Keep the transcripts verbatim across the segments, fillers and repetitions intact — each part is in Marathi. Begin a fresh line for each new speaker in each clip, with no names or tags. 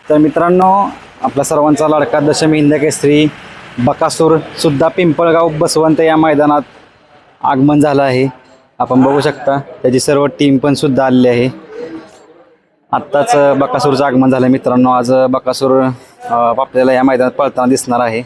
तर मित्रांनो, आपल्या सर्वांचा लाडका दशमी हिंद केसरी बकासूर सुद्धा पिंपळगाव बसवंत या मैदानात आगमन झालं आहे. आपण बघू शकता त्याची सर्व टीम पण सुद्धा आलेली आहे. आत्ताच बकासूरचं आगमन झालं मित्रांनो. आज बकासूर आपल्याला या मैदानात पळताना दिसणार आहे.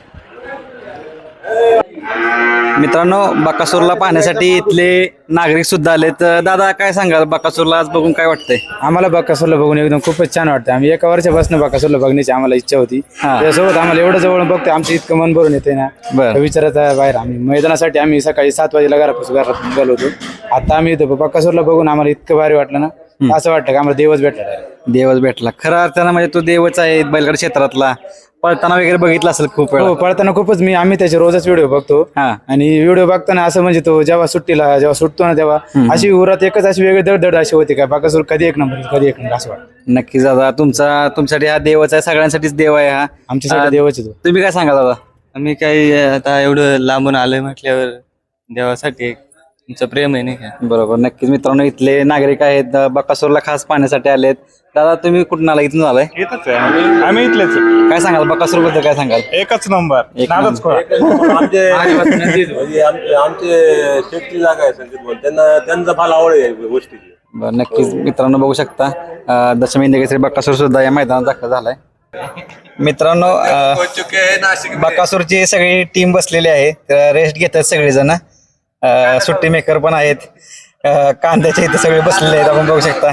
मित्रांनो, बकासूरला पाहण्यासाठी इथले नागरिक सुद्धा आले. तर दादा, काय सांगाल बकासूरला आज बघून काय वाटतंय?
आम्हाला बकासूरला बघून एकदम खूपच छान वाटतं. आम्ही एका वर्षापासून बकासूरला बघण्याची आम्हाला इच्छा होती. त्यासोबत आम्हाला एवढं जवळ बघतो आमचं इतकं मन भरून येते ना.
बरं.
विचारात बाहेर आम्ही मैदानासाठी आम्ही सकाळी सात वाजेला घरापासून घरात निघालो होतो. आता आम्ही इथं बकासूरला बघून आम्हाला इतकं भारी वाटलं ना. असं वाटतं की आम्हाला देवच भेटला.
देवच भेटला खरं अर्थानं, म्हणजे तो देवच आहे बैलगाडी क्षेत्रातला. पळताना वगैरे बघितलं असेल खूप वेळा.
हो, पळताना खूपच मी आम्ही त्याचे रोजच व्हिडिओ बघतो.
हा.
आणि व्हिडिओ बघताना असं म्हणजे तो जेव्हा सुट्टीला जेव्हा सुटतो ना तेव्हा अशी उरात एकच अशी वेगळी दडदड अशी होती का बकासूर कधी एक नंबर कधी एक नंबर असं वाटतं.
नक्कीच दादा, तुमचा तुमच्यासाठी हा देवच आहे, सगळ्यांसाठीच देव आहे हा.
आमच्यासाठी देवच आहे तो.
तुम्ही काय सांगा दादा?
आम्ही काही आता एवढं लांबून आलोय म्हटल्यावर देवासाठी तुमचं प्रेम आहे नाही का.
बरोबर, नक्कीच मित्रांनो, इथले नागरिक आहेत बकासूरला खास पाहण्यासाठी आलेत. दादा, तुम्ही कुठून आला? इथून आलाय?
येतच आहे आम्ही आम्ही इथलेच आहे.
काय सांगाल बकासूर बद्दल? काय सांगाल?
एकच नंबर
एक
नादच
नंबर.
खोळा.
आमचे म्हणजे आमचे आमचे शेतची जागा आहे संकेत बोल, त्यांना त्यांचा फार आवड आहे या गोष्टीची.
बरं, नक्कीच मित्रांनो, बघू शकता अं, दशमी हिंद केसरी बकासूर सुद्धा या मैदानात दाखल झालाय. मित्रांनो, अं, बकासूरची सगळी टीम बसलेली आहे. रेस्ट घेतात सगळेजण. अं, सुट्टी मेकर पण आहेत. अं, कांद्याचे इथे सगळे बसलेले आहेत, आपण बघू शकता.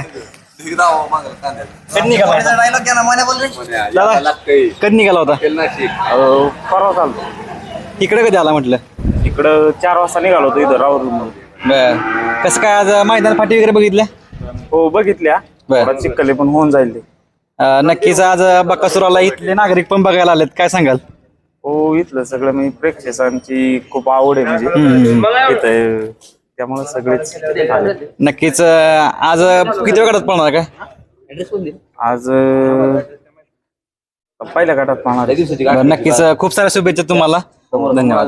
कधी निघाला होता? दादा, कधी निघाला होता?
परवा चालतो
इकडे कधी आला म्हटलं?
इकडं चार वाजता निघालो होतो इथं राहुल.
बर, कसं काय आज मैदान फाटी वगैरे बघितल्या?
हो बघितल्या.
बरं.
थोडा चिखले पण होऊन जाईल ते.
अं, नक्कीच आज बकासूरला इथले नागरिक पण बघायला आलेत. काय सांगाल?
हो, इथलं सगळं म्हणजे प्रेक्षकांची खूप आवड आहे म्हणजे इथं, त्यामुळे सगळेच आले.
नक्कीच अं, आज किती वेळ काढत पळणार काय?
आज अं, पहिल्या गटात पाहणार.
बरं, नक्कीच खूप साऱ्या शुभेच्छा तुम्हाला. धन्यवाद.